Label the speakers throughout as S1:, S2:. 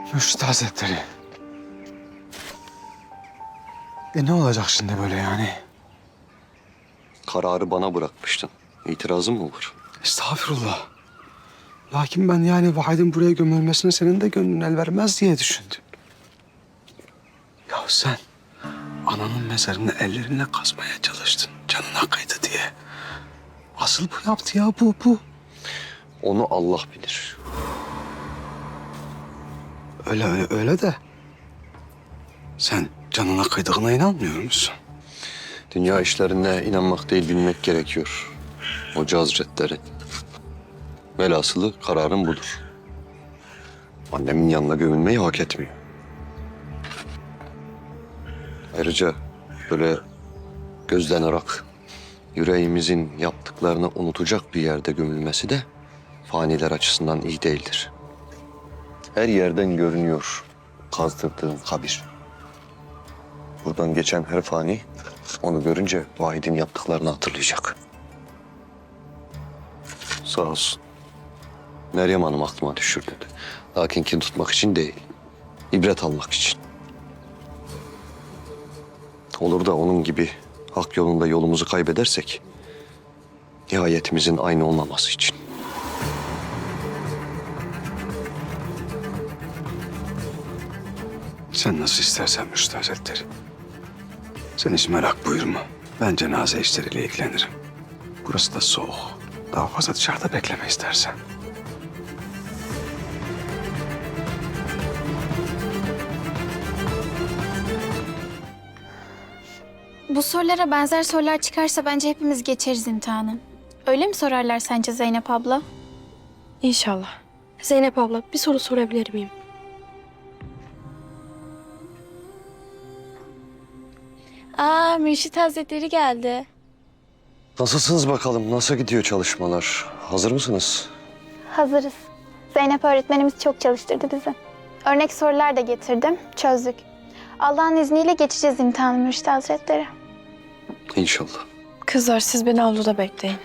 S1: Mürşit Hazretleri. Ne olacak şimdi böyle yani?
S2: Kararı bana bırakmıştın. İtirazın mı var?
S1: Estağfurullah. Lakin ben yani Vahid'in buraya gömülmesine senin de gönlün el vermez diye düşündüm. Ya sen ananın mezarını ellerinle kazmaya çalıştın. Canına kıydı diye. Asıl bu yaptı ya bu.
S2: Onu Allah bilir.
S1: Öyle de. Sen canına kıydığına inanmıyor musun?
S2: Dünya işlerine inanmak değil bilmek gerekiyor. Hoca Hazretleri. Velhasılı kararım budur. Annemin yanına gömülmeyi hak etmiyor. Ayrıca böyle gözden ırak, yüreğimizin yaptıklarını unutacak bir yerde gömülmesi de faniler açısından iyi değildir. Her yerden görünüyor kazdırdığın kabir. Buradan geçen her fani onu görünce Vahid'in yaptıklarını hatırlayacak. Sağ olsun. Meryem Hanım aklıma düşürdü. Lakin kin tutmak için değil, ibret almak için. Olur da onun gibi hak yolunda yolumuzu kaybedersek, nihayetimizin aynı olmaması için.
S1: Sen nasıl istersen Mürşit Hazretleri. Sen hiç merak buyurma. Ben cenaze işleriyle ilgilenirim. Burası da soğuk. Daha fazla dışarıda bekleme istersen.
S3: Bu sorulara benzer sorular çıkarsa bence hepimiz geçeriz imtihanı. Öyle mi sorarlar sence Zeynep abla?
S4: İnşallah. Zeynep abla bir soru sorabilir miyim?
S3: Aa, Mürşit Hazretleri geldi.
S2: Nasılsınız bakalım? Nasıl gidiyor çalışmalar? Hazır mısınız?
S3: Hazırız. Zeynep öğretmenimiz çok çalıştırdı bizi. Örnek sorular da getirdim, çözdük. Allah'ın izniyle geçeceğiz imtihanı Mürşit Hazretleri.
S2: İnşallah.
S4: Kızlar siz beni avluda bekleyin.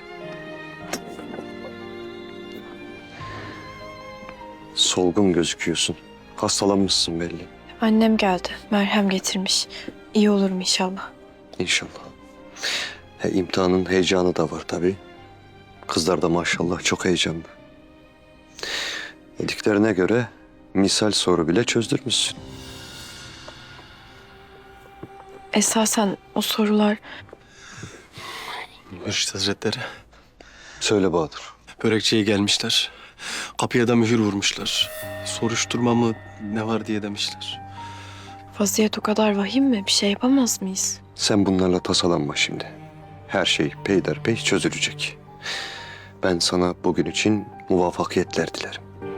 S2: Solgun gözüküyorsun. Hastalanmışsın belli.
S4: Annem geldi. Merhem getirmiş. İyi olurum inşallah.
S2: İnşallah. İmtihanın heyecanı da var tabii. Kızlar da maşallah çok heyecanlı. Dediklerine göre misal soru bile çözdürmüşsün.
S4: Esasen o sorular...
S5: Mürşit Hazretleri,
S2: Söyle Bahadır.
S5: börekçiye gelmişler. Kapıya da mühür vurmuşlar. Soruşturma mı ne var diye demişler.
S4: Vaziyet o kadar vahim mi? Bir şey yapamaz mıyız?
S2: Sen bunlarla tasalanma şimdi. Her şey peyderpey çözülecek. Ben sana bugün için muvaffakiyetler dilerim.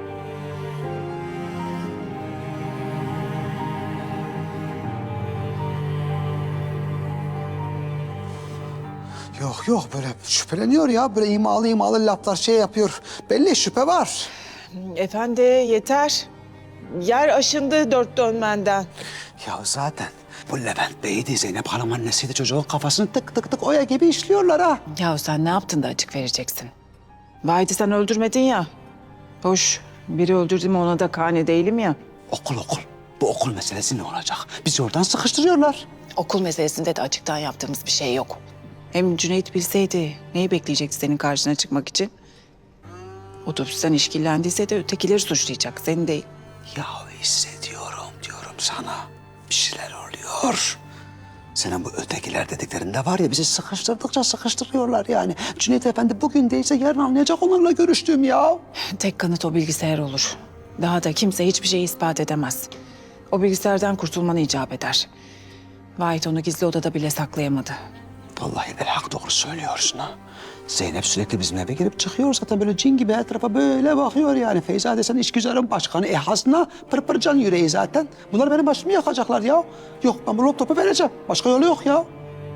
S1: Yok böyle şüpheleniyor ya. Böyle imalı laflar şey yapıyor. Belli şüphe var.
S6: Efendi yeter. Yer aşındı dört dönmenden.
S1: Ya zaten bu Levent Bey'di, Zeynep Hanım annesiydi. Çocuğun kafasını tık tık tık oya gibi işliyorlar ha.
S6: Ya sen ne yaptın da açık vereceksin? Vahit'i sen öldürmedin ya. Hoş biri öldürdü mü ona da kane değilim ya.
S1: Okul. Bu okul meselesi ne olacak? Bizi oradan sıkıştırıyorlar.
S6: Okul meselesinde de açıktan yaptığımız bir şey yok. Hem Cüneyt bilseydi neyi bekleyecekti senin karşına çıkmak için? Otobüsten işkillendiyse de ötekileri suçlayacak, seni değil.
S1: Ya hissediyorum diyorum sana. Bir şeyler oluyor. Senin bu ötekiler dediklerinde var ya bizi sıkıştırdıkça sıkıştırıyorlar yani. Cüneyt Efendi bugün değilse yarın anlayacak onlarla görüştüğüm ya.
S6: Tek kanıt o bilgisayar olur. Daha da kimse hiçbir şeyi ispat edemez. O bilgisayardan kurtulmanı icap eder. Vahit onu gizli odada bile saklayamadı.
S1: Vallahi hak doğru söylüyorsun ha. Zeynep sürekli bizim eve girip çıkıyor zaten böyle cin gibi etrafa böyle bakıyor yani. Feyza desen işgüzarın başkanı. Hasna pırpırcan yüreği zaten. Bunlar benim başımı yakacaklar ya. Yok ben bu laptopu vereceğim. Başka yolu yok ya.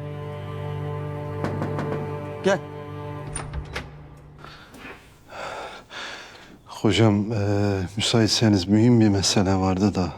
S1: Gel.
S7: Hocam, müsaitseniz mühim bir mesele vardı da.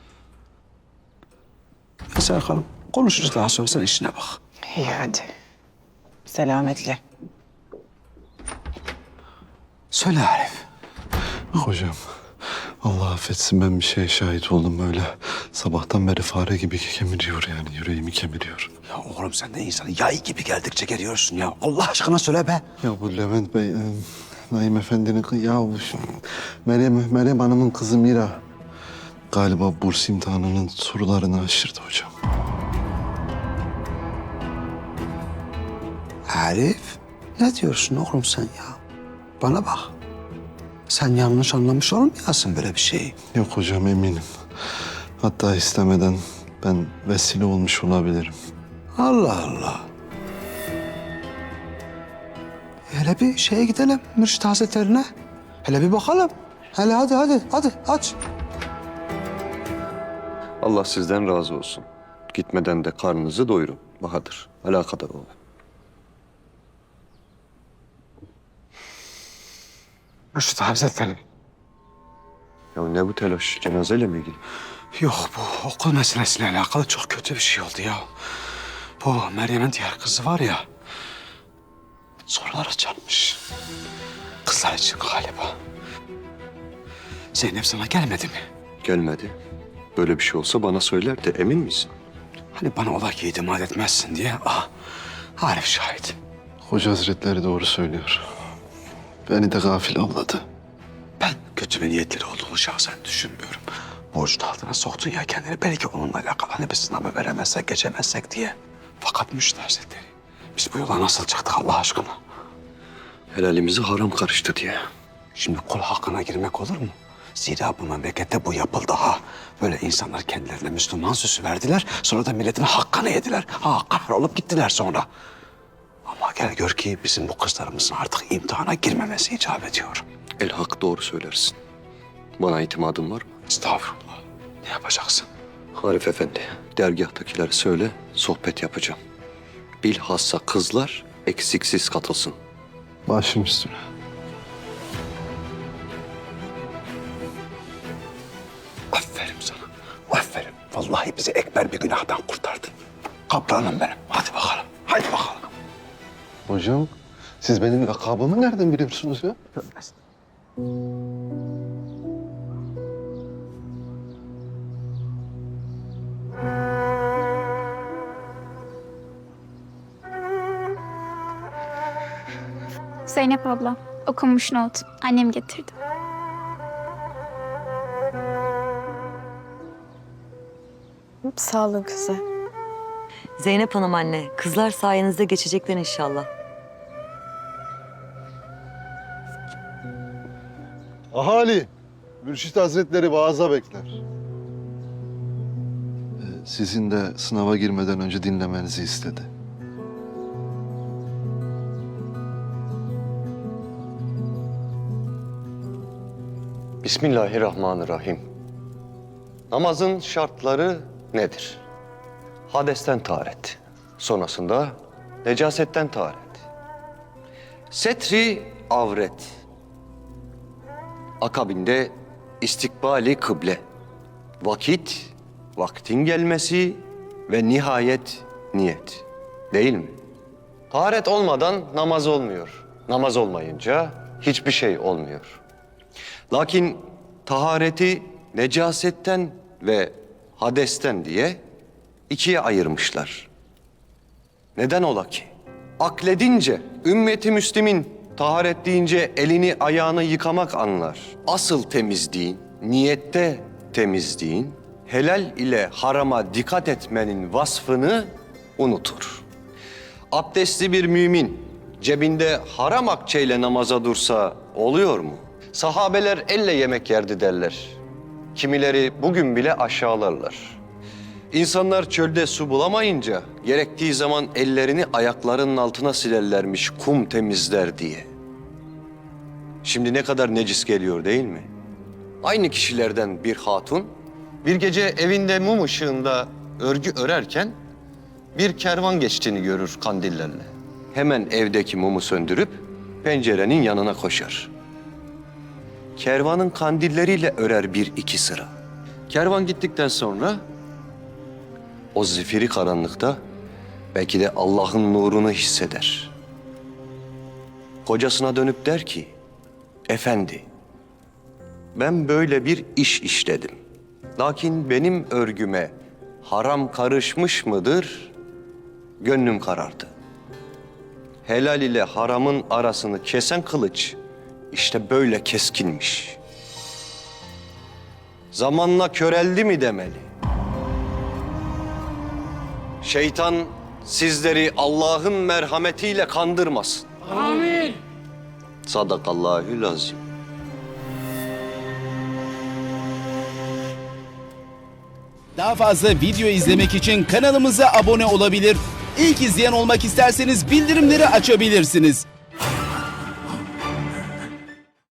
S1: Serkan'ım konuşuruz daha sonra sen işine bak.
S6: İyi hadi. Selametle.
S1: Söyle Arif.
S7: Hocam, Allah affetsin, ben bir şeye şahit oldum böyle. Sabahtan beri fare gibi kemiriyor yani, yüreğimi kemiriyor.
S1: Ya oğlum sen de insanı yay gibi geldikçe geliyorsun ya. Allah aşkına söyle be.
S7: Ya bu Levent Bey, Naim Efendi'nin ya bu Meryem Hanım'ın kızı Mira galiba burs imtihanının sorularını aşırdı hocam.
S1: Arif, ne diyorsun oğlum sen ya? Bana bak. Sen yanlış anlamış olmayasın böyle bir şeyi.
S7: Yok hocam, eminim. Hatta istemeden ben vesile olmuş olabilirim.
S1: Allah Allah. Hele bir şeye gidelim, Mürşit Hazretlerine. Hele bir bakalım. Hele hadi aç.
S2: Allah sizden razı olsun. Gitmeden de karnınızı doyurun Bahadır. Alakadar olun.
S1: Mürşit Hazretleri.
S2: Ya ne bu telaş? Cenazeyle mi ilgili?
S1: Yok, bu okul meselesiyle alakalı çok kötü bir şey oldu ya. Bu Meryem'in diğer kızı var ya, sorular açarmış. Kızlar için galiba. Zeynep sana gelmedi mi?
S2: Gelmedi. Böyle bir şey olsa bana söyler de emin misin?
S1: Hani bana ola ki itimat etmezsin diye. Arif şahit.
S7: Hoca Hazretleri doğru söylüyor. Beni de gafil avladı.
S1: Ben kötü bir niyetleri olduğunu şahsen düşünmüyorum. Borcun altına soktun ya kendini. Belki onunla alakalı hani bir sınavı veremezsek, geçemezsek diye. Fakat Mürşit Hazretleri, biz bu yola nasıl çıktık Allah aşkına?
S2: Helalimizi haram karıştı diye.
S1: Şimdi kul hakkına girmek olur mu? Zira bu memlekette bu yapıldı ha. Böyle insanlar kendilerine Müslüman süsü verdiler. Sonra da milletin hakkını yediler. Kahrolup gittiler sonra. Ama gel gör ki bizim bu kızlarımızın artık imtihana girmemesi icap ediyor.
S2: El hak doğru söylersin. Bana itimadın var mı?
S1: Estağfurullah. Ne yapacaksın?
S2: Arif Efendi, dergahtakileri söyle, sohbet yapacağım. Bilhassa kızlar eksiksiz katılsın.
S7: Başım üstüne.
S1: Aferin sana. Aferin. Vallahi bizi ekber bir günahtan kurtardın. Kaplanım benim. Hadi bakalım. Hadi bakalım.
S7: Hocam, siz benim lakabımı nereden biliyorsunuz ya?
S3: Zeynep abla, okunmuş not. Annem getirdi.
S8: Sağ olun kızı.
S9: Zeynep Hanım anne, kızlar sayenizde geçecekler inşallah.
S7: Ahali, Mürşit Hazretleri vaaza bekler. Sizin de sınava girmeden önce dinlemenizi istedi.
S2: Bismillahirrahmanirrahim. Namazın şartları nedir? Hadesten taharet. Sonrasında necasetten taharet. Setri avret. Akabinde istikbali kıble. Vakit, vaktin gelmesi ve nihayet niyet. Değil mi? Taharet olmadan namaz olmuyor. Namaz olmayınca hiçbir şey olmuyor. Lakin tahareti necasetten ve hadesten diye ikiye ayırmışlar. Neden ola ki? Akledince ümmeti Müslim'in taharet deyince elini ayağını yıkamak anlar. Asıl temizliğin, niyette temizliğin, helal ile harama dikkat etmenin vasfını unutur. Abdestli bir mümin cebinde haram akçeyle namaza dursa oluyor mu? Sahabeler elle yemek yerdi derler. Kimileri bugün bile aşağılarlar. İnsanlar çölde su bulamayınca gerektiği zaman ellerini ayaklarının altına silerlermiş kum temizler diye. Şimdi ne kadar necis geliyor değil mi? Aynı kişilerden bir hatun bir gece evinde mum ışığında örgü örerken bir kervan geçtiğini görür kandillerle. Hemen evdeki mumu söndürüp pencerenin yanına koşar. Kervanın kandilleriyle örer bir iki sıra. Kervan gittikten sonra o zifiri karanlıkta belki de Allah'ın nurunu hisseder. Kocasına dönüp der ki, efendi, ben böyle bir iş işledim. Lakin benim örgüme haram karışmış mıdır? Gönlüm karardı. Helal ile haramın arasını kesen kılıç işte böyle keskinmiş. Zamanla köreldi mi demeli? Şeytan sizleri Allah'ın merhametiyle kandırmasın. Amin. Sadakallahül azim.
S10: Daha fazla video izlemek için kanalımıza abone olabilir. İlk izleyen olmak isterseniz bildirimleri açabilirsiniz.